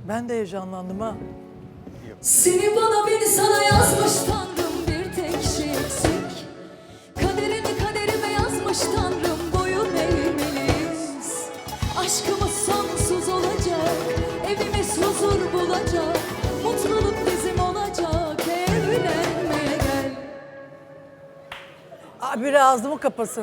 Ben de heyecanlandım ha. Seni bana beni sana yazmış Tanrım, bir tek şey eksik. Kaderini kaderime yazmış Tanrım, boyun eğmeliyiz. Aşkımız sonsuz olacak, evimiz huzur bulacak. Mutluluk bizim olacak, evlenmeye gel. Biri ağzımı kapasın.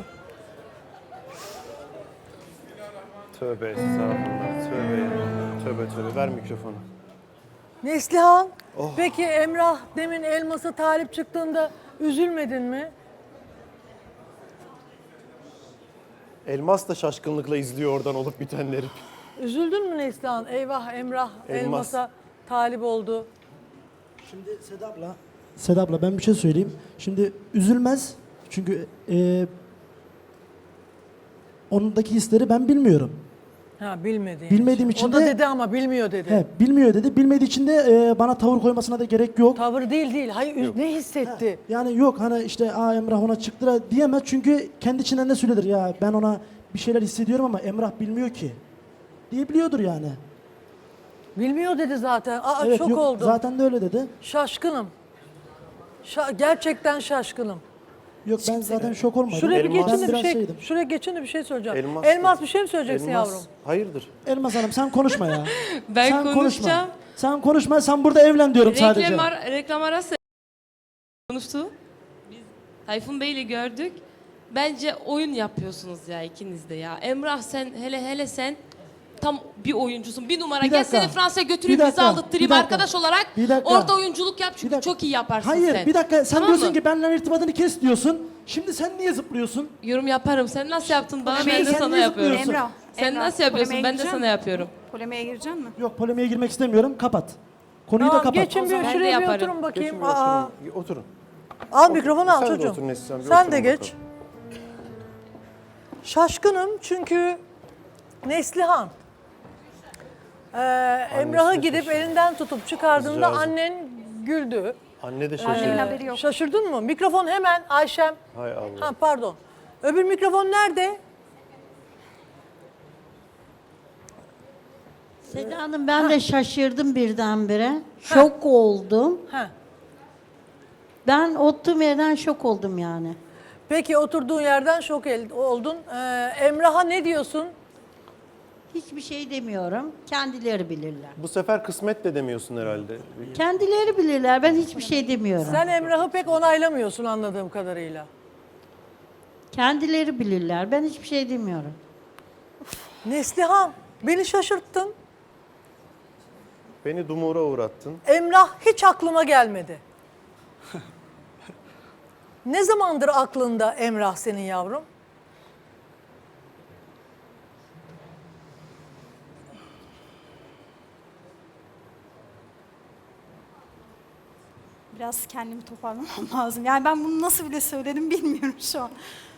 Tövbe estağfurullah. Tövbe ya. Tövbe tövbe. Ver mikrofonu. Neslihan, peki Emrah demin Elmas'a talip çıktığında üzülmedin mi? Elmas da şaşkınlıkla izliyor oradan olup bitenleri. Üzüldün mü Neslihan? Eyvah Emrah Elmas. Elmas'a talip oldu. Şimdi Seda abla ben bir şey söyleyeyim. Şimdi üzülmez çünkü onundaki hisleri ben bilmiyorum. Ha bilmedi. Bilmediğim için O da de- dedi ama bilmiyor dedi. He, bilmiyor dedi. Bilmediği için de bana tavır koymasına da gerek yok. Tavır değil. Hayır ne hissetti? Yani yok hani işte Emrah ona çıktı da diyemez çünkü kendi içinden ne söyledir ya ben ona bir şeyler hissediyorum ama Emrah bilmiyor ki. Diyebiliyordur yani. Bilmiyor dedi zaten. Evet, Şok yok, oldum. zaten de öyle dedi. Şaşkınım. Gerçekten şaşkınım. Yok ben zaten şok olmadım. Şuraya bir Elmas- geçin de bir biraz şey. şeydim. Şuraya geçin de bir şey söyleyeceğim. Elmas- Elmas bir şey mi söyleyeceksin Elmas, yavrum? hayırdır? Elmas Hanım sen konuşma ya. Ben sen konuşacağım. Konuşma. Sen konuşma sen burada evlen diyorum sadece. Reklam arası konuştu. Biz Tayfun Bey'le gördük. Bence oyun yapıyorsunuz ya ikiniz de ya. Emrah sen hele sen tam bir oyuncusun. Bir numara. Bir Gel dakika. seni Fransa'ya götüreyim, Bir bizi dakika, aldırtırayım bir dakika. arkadaş olarak. Bir dakika. Orada oyunculuk yap çünkü Bir dakika. çok iyi yaparsın Hayır sen. bir dakika sen Tamam diyorsun mı? ki benimle irtibatını kes diyorsun. Şimdi sen niye zıplıyorsun? Yorum yaparım. Sen nasıl yaptın bana, Şimdi ben de sen sana niye yapıyorum. zıplıyorsun? Sen nasıl yapıyorsun, ben de sana yapıyorum. Polemiğe girecek mi? Yok polemiğe girmek istemiyorum kapat. Konuyu da Tamam kapat. geçin bir Ben de şuraya bir yaparım. oturun bakayım. Geçin bir oturun. Oturun. Al mikrofonu al Sen de çocuğum. otur Neslihan, bir Sen oturun de geç. bakalım. Şaşkınım çünkü Neslihan Emrah'ı de gidip şaşırdı. elinden tutup çıkardığında Kızcağızım. annen güldü. Anne de Annemin şaşırdı. haberi yok. Şaşırdın mı? Mikrofon hemen Ayşem. Hay Allah. Ha pardon. Öbür mikrofon nerede? Seda Hanım ben de şaşırdım birdenbire. Şok oldum. Ha. Ben oturduğum yerden şok oldum yani. Peki oturduğun yerden oldun. Emrah'a ne diyorsun? Hiçbir şey demiyorum. Kendileri bilirler. Bu sefer kısmet de demiyorsun herhalde. Kendileri bilirler. Ben hiçbir şey demiyorum. Sen Emrah'ı pek onaylamıyorsun anladığım kadarıyla. Kendileri bilirler. Ben hiçbir şey demiyorum. Neslihan beni şaşırttın. Beni dumura uğrattın. Emrah hiç aklıma gelmedi. Ne zamandır aklında Emrah senin yavrum? Biraz kendimi toparlamam lazım. Yani ben bunu nasıl bile söyledim bilmiyorum şu an.